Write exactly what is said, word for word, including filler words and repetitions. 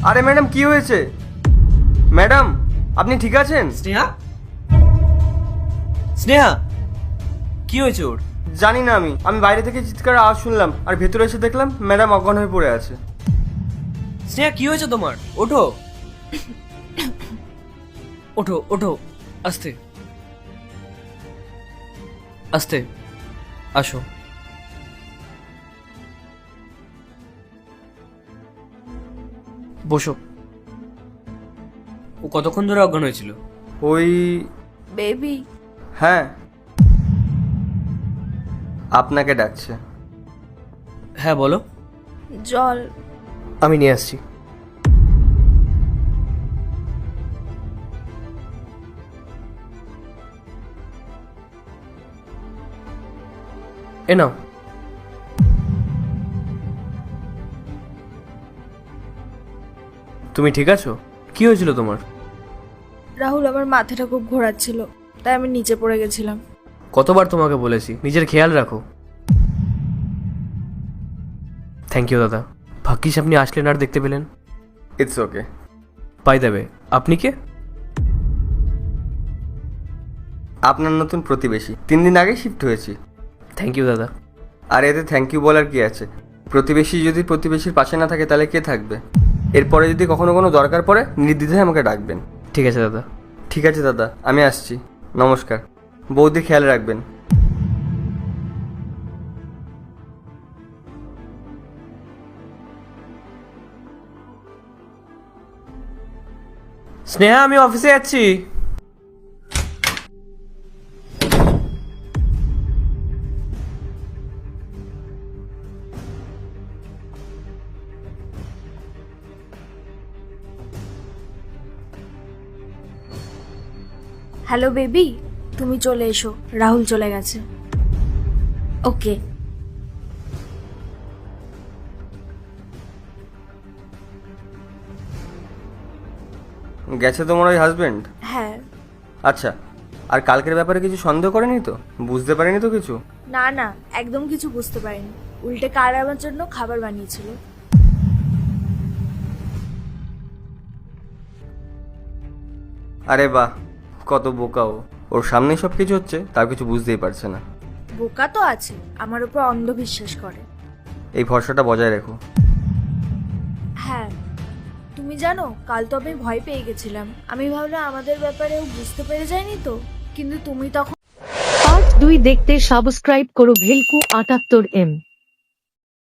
আরে ম্যাডাম কি হয়েছে? ম্যাডাম আপনি ঠিক আছেন? স্নেহা স্নেহা কি হয়েছে ওর? জানি না, আমি আমি বাইরে থেকে চিৎকার আওয়াজ শুনলাম আর ভেতরে এসে দেখলাম ম্যাডাম অজ্ঞান হয়ে পড়ে আছে। স্নেহা কি হয়েছে তোমার? ওঠো ওঠো ওঠো, আস্তে আস্তে, আসো। বসো। ও কতক্ষণ ধরে অজ্ঞান হয়েছিল? ওই বেবি, হ্যাঁ, আপনাকে ডাকছে। হ্যাঁ বলো। জল। আমি নিয়ে আসছি। এ নাও। তুমি ঠিক আছো? কি হয়েছিল তোমার? রাহুল, আমার মাথাটা খুব ঘোরাচ্ছিল, তাই আমি নিচে পড়ে গেছিলাম। কতবার তোমাকে বলেছি নিজের খেয়াল রাখো। থ্যাংক ইউ দাদা, ভাগ্যিস আপনি আসলেন আর দেখতে পেলেন। It's okay. পাই দেবে। আপনি কে? আপনার নতুন প্রতিবেশী, তিন দিন আগে শিফট হয়েছি। থ্যাংক ইউ দাদা। আর এতে থ্যাংক ইউ বলার কি আছে? প্রতিবেশী যদি প্রতিবেশীর পাশে না থাকে তাহলে কে থাকবে? এরপরে যদি কখনো কোনো দরকার পড়ে নির্দ্বিধায় আমাকে ডাকবেন। ঠিক আছে দাদা। ঠিক আছে দাদা, আমি আসছি। নমস্কার। বৌদি খেয়াল রাখবেন। স্নেহা আমি অফিসে যাচ্ছি। হ্যালো বেবি, তুমি চলে এসো, রাহুল চলে গেছে। ওকে। গেছে তোমার ওই হাজবেন্ড? হ্যাঁ। আচ্ছা, আর কালকের ব্যাপারে কিছু সন্দেহ করেনি তো? বুঝতে পারেনি তো কিছু? না না, একদম কিছু বুঝতে পারিনি। উল্টে কার আমার জন্য খাবার বানিয়েছিল। আরে বাহ, কত বোকা ও! ওর সামনেই সব কিছু হচ্ছে, তার কিছু বুঝতেই পারছে না। বোকা তো আছে, আমার উপর অন্ধবিশ্বাস করে। এই ভরসাটা বজায় রেখো। হ্যাঁ, তুমি জানো কাল তো আমি ভয় পেয়ে গেছিলাম। আমি ভাবলাম আমাদের ব্যাপারে ও বুঝতে পেরে যায়নি তো, কিন্তু তুমি তখন। পার্ট দুই দেখতে সাবস্ক্রাইব করো ভেলকু আটাত্তর এম।